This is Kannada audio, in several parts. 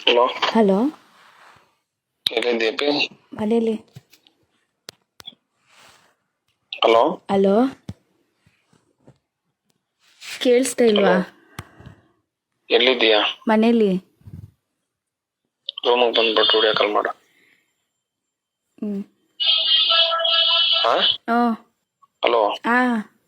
ಹಲೋ, ಹಲೋ, ಎಲ್ಲಿದ್ದೀಯಪ್ಪಿ? ಮನೇಲಿ. ಹಲೋ, ಹಲೋ, ಕೇಳಿಸ್ತಾ ಇಲ್ವಾ? ಹಲೋ, ಎಲ್ಲಿದ್ದೀಯಾ? ಮನೇಲಿ. ರೂಮಿಗೆ ಬಂದ್ಬಿಟ್ಟು ವಿಡಿಯೋ ಕಾಲ್ ಮಾಡು. ಹ್ಮ್. ಹಾ? ಓ. ಹಲೋ, ಆ.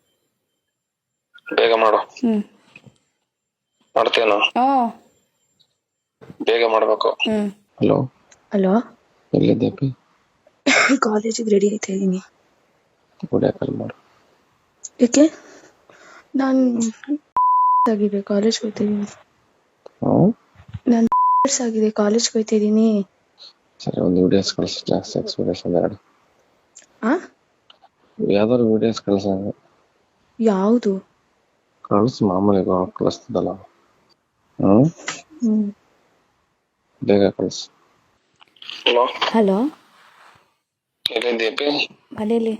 ಬೇಗ ಮಾಡು. ಹ್ಮ್. ಮಾಡ್ತೇನೋ? ಓ. ಬೇಗ ಮಾಡ್ಬೇಕು. ಹ್ಮ್. ಹಲೋ, ಹಲೋ, ಎಲ್ಲಿದ್ದೀಯಪ್ಪಿ? ಕಾಲೇಜಿಗೆ ರೆಡಿ ಆಯ್ತಾ ಇದ್ದೀನಿ. ವಿಡಿಯೋ ಕಾಲ್ ಮಾಡು. ಯಾಕೆ? ನಾನು ಆಗಿದೆ ಕಾಲೇಜ್ಗೆ ಹೋಗ್ತಾ ಇದ್ದೀನಿ. ನಾನು ಆಗಿದೆ ಕಾಲೇಜ್ಗೆ ಹೋಗ್ತಾ ಇದ್ದೀನಿ. ಸರಿ, ಒಂದು ವಿಡಿಯೋಸ್ ಕಳಿಸು. ಜಾಸ್ತಿ ಎಕ್ಸ್ಪೀರಿಯನ್ಸ್ ಎರಡು. ಆ? ಯಾವ್ದಾದ್ರು ವಿಡಿಯೋಸ್ ಕಳಿಸ. ಯಾವುದು? ಕಳಿಸು, ಮಾಮೂಲಿ ಕಳಿಸ್ತದಲ್ಲ. ಹ್ಮ್, ಬೇಗ ಕಳಿಸು. ಹಲೋ, ಹಲೋ, ಎಲ್ಲಿದ್ದೀಯಪ್ಪಿ? ಮನೇಲಿ.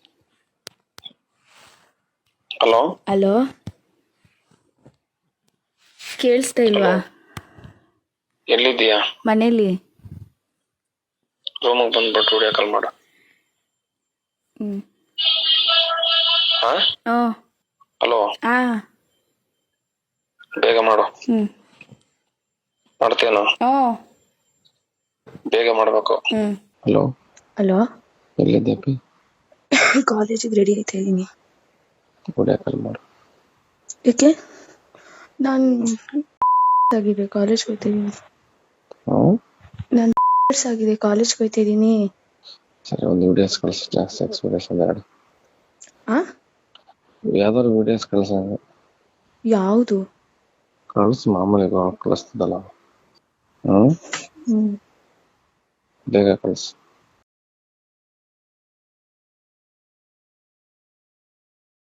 ಹಲೋ, ಹಲೋ, ಕೇಳಿಸ್ತಾ ಇಲ್ವಾ? ಎಲ್ಲಿದ್ದೀಯಾ? ಮನೇಲಿ. ರೂಮಿಗೆ ಬಂದ್ಬಿಟ್ಟು ವಿಡಿಯೋ ಕಾಲ್ ಮಾಡು. ಹ್ಮ್. ಹಾ? ಓ. ಹಲೋ, ಆ. ಬೇಗ ಮಾಡು. ಹ್ಮ್. ಮಾಡ್ತೇನೋ? ಓ. ಬೇಗ ಮಾಡ್ಬೇಕು. ಹ್ಮ್. ಹಲೋ, ಹಲೋ, ಎಲ್ಲಿದ್ದೀಯಪ್ಪಿ? ಕಾಲೇಜಿಗೆ ರೆಡಿ ಆಯ್ತಾ ಇದ್ದೀನಿ. ವಿಡಿಯೋ ಕಾಲ್ ಮಾಡು. ಯಾಕೆ? ನಾನು ಆಗಿದೆ ಕಾಲೇಜ್ಗೆ ಹೋಗ್ತಾ ಇದ್ದೀನಿ. ನಾನು ಆಗಿದೆ ಕಾಲೇಜ್ಗೆ ಹೋಗ್ತಾ ಇದ್ದೀನಿ. ಸರಿ, ಒಂದು ವಿಡಿಯೋಸ್ ಕಳಿಸು. ಜಾಸ್ತಿ ಎಕ್ಸ್ಪೀರಿಯನ್ಸ್ ಎರಡು. ಆ? ಯಾವ್ದಾದ್ರು ವಿಡಿಯೋಸ್ ಕಳಿಸ. ಯಾವುದು? ಕಳಿಸು, ಮಾಮೂಲಿ ಕಳಿಸ್ತದಲ್ಲ. ಹ್ಮ್, ಹ್ಮ್. ಬೇಗ ಕಳಿಸು.